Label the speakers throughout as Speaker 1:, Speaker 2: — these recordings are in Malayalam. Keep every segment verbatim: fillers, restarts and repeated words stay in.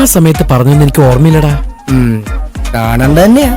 Speaker 1: ആ സമയത്ത് പറഞ്ഞൊന്നും എനിക്ക് ഓർമ്മയില്ലടാ.
Speaker 2: കാണണ്ട തന്നെയാ.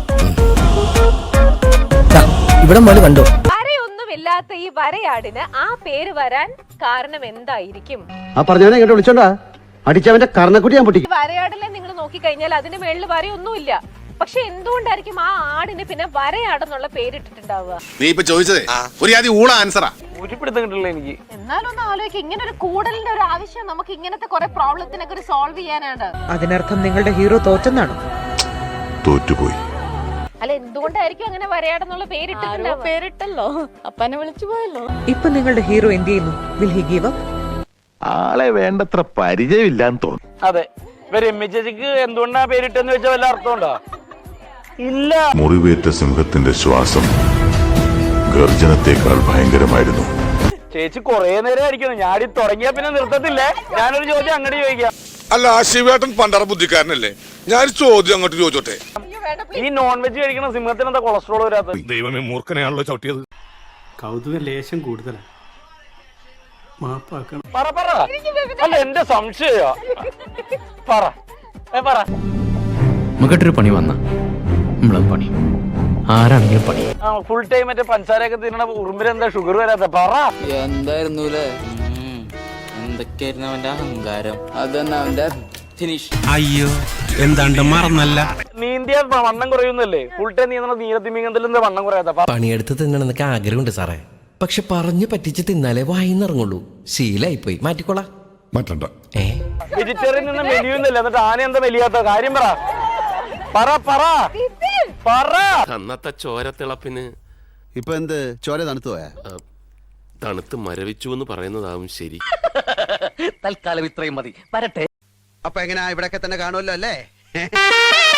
Speaker 2: ഇവിടെ മോള് കണ്ടോ?
Speaker 3: വരയൊന്നുമില്ലാത്ത ഈ വരയാടിന് ആ പേര് വരാൻ കാരണം എന്തായിരിക്കും?
Speaker 4: ആ പറഞ്ഞവനെ ഇങ്ങോട്ട് വിളിച്ചോണ്ടാ അടിച്ചവന്റെ കർണക്കുട്ടി ഞാൻ പൊട്ടിക്കും.
Speaker 3: വരയാടിനെ നിങ്ങൾ നോക്കിക്കഴിഞ്ഞാൽ അതിന്റെ മേളിൽ വരയൊന്നുമില്ല. പക്ഷെ എന്തുകൊണ്ടായിരിക്കും ആ ആടിന് പിന്നെ വരയാടെന്നുള്ള പേരിട്ടിട്ടുണ്ടാവുക?
Speaker 5: നീ ഇപ്പൊ ചോദിച്ചതേ ഒരു ആദ്യം ഊള ആൻസറാ.
Speaker 6: എനിക്ക്
Speaker 3: എന്നാലൊന്ന് ആലോചിക്കുക, ഇങ്ങനെ ഒരു കൂടലിന്റെ ഒരു ആവശ്യം നമുക്ക് ഇങ്ങനത്തെ കുറെ പ്രോബ്ലത്തിനൊക്കെ ഒരു സോൾവ് ചെയ്യാനാണ്.
Speaker 7: അതിനർത്ഥം നിങ്ങളുടെ ഹീറോ തോറ്റെന്നാണോ?
Speaker 8: തോറ്റുപോയി.
Speaker 3: അല്ല, എന്തുകൊണ്ടായിരിക്കും അങ്ങനെ വരയാടെന്നുള്ള പേരിട്ടിട്ടുണ്ടാവുക?
Speaker 9: പേരിട്ടല്ലോ, അപ്പനെ വിളിച്ചു പോയല്ലോ.
Speaker 7: ഇപ്പൊ നിങ്ങളുടെ ഹീറോ എന്ത് ചെയ്യുന്നു? Will he give up?
Speaker 8: ആളെ വേണ്ടത്ര പരിചയമില്ലാന്ന് തോന്നുന്നു.
Speaker 6: അതെ, രമ്യ ചേച്ചിക്ക് എന്തുകൊണ്ടാ പേരിട്ടെന്ന് വെച്ചാൽ വല്ല അർത്ഥമുണ്ടോ? ഇല്ല.
Speaker 8: മുറിവേറ്റ സിംഹത്തിന്റെ ശ്വാസം ഗർജനത്തെക്കാൾ ഭയങ്കരമായിരുന്നു.
Speaker 6: ചേച്ചി കൊറേ നേരം ആയിരിക്കുന്നു. ഞാടി തുടങ്ങിയാ പിന്നെ നിർത്തത്തില്ലേ. ഞാനൊരു ചോദ്യം അങ്ങോട്ട് ചോദിക്കാം.
Speaker 5: അല്ല, ശിവേട്ടൻ പണ്ടറ ബുദ്ധിക്കാരനല്ലേ? ഞാൻ ചോദ്യം അങ്ങോട്ട് ചോദിച്ചോട്ടെ.
Speaker 6: ഈ നോൺ വെജ് കഴിക്കണ സിംഹത്തിന് എന്താ കൊളസ്ട്രോൾ വരാത്തത്?
Speaker 5: ദൈവമേ, മൂർഖനെയാണല്ലോ ചവിട്ടിയത്.
Speaker 10: കൗതുക ലേശം കൂടുതലാണ്. മാപ്പാക്കണം.
Speaker 6: പറ പറ. അല്ല, എന്റെ സംശയ പറ പറ.
Speaker 1: നമുക്കിട്ടൊരു പണി വന്ന നമ്മളും പണി, ആരാണെങ്കിലും പണി.
Speaker 6: ഫുൾ ടൈം മറ്റേ പഞ്ചസാരയൊക്കെ തിന്നണ ഉറുമ്പിന് എന്താ ഷുഗർ വരാത്ത? പറ.
Speaker 11: എന്തായിരുന്നു എന്തൊക്കെയായിരുന്നു അവന്റെ അഹങ്കാരം? അതന്നെ അവന്റെ ഫിനിഷ്.
Speaker 10: അയ്യോ, എന്താണ്ട് മറന്നല്ല.
Speaker 6: നീന്തിയ വണ്ണം കുറയുന്നല്ലേ? ഫുൾ ടൈം നീന്തണ നീരത്തിമിങ്ങത്തിൽ എന്താ വണ്ണം കുറയാത്ത?
Speaker 1: പണിയെടുത്ത് തിന്നണമെന്നൊക്കെ ആഗ്രഹമുണ്ട് സാറേ, പക്ഷെ പറഞ്ഞു പറ്റിച്ച് തിന്നാലേ വായിന്നിറങ്ങുള്ളൂ. ശീലായിപ്പോയി, മാറ്റിക്കോളാം.
Speaker 8: മാറ്റണ്ട.
Speaker 1: ഏ
Speaker 6: വെജിറ്റേറിയൻ നിന്ന് മെലിയുന്നില്ല, എന്നിട്ട് ആന എന്താ മെലിയാത്ത? കാര്യം പറ പറ പറ പറ.
Speaker 12: അന്നത്തെ ചോരത്തിളപ്പിന്
Speaker 4: ഇപ്പൊ എന്ത് ചോര തണുത്തു പോയാ?
Speaker 12: തണുത്ത് മരവിച്ചു എന്ന് പറയുന്നതാവും ശരി.
Speaker 11: തൽക്കാലം ഇത്രയും മതി. വരട്ടെ.
Speaker 4: അപ്പൊ എങ്ങനെയാ, ഇവിടൊക്കെ തന്നെ കാണുമല്ലോ അല്ലേ?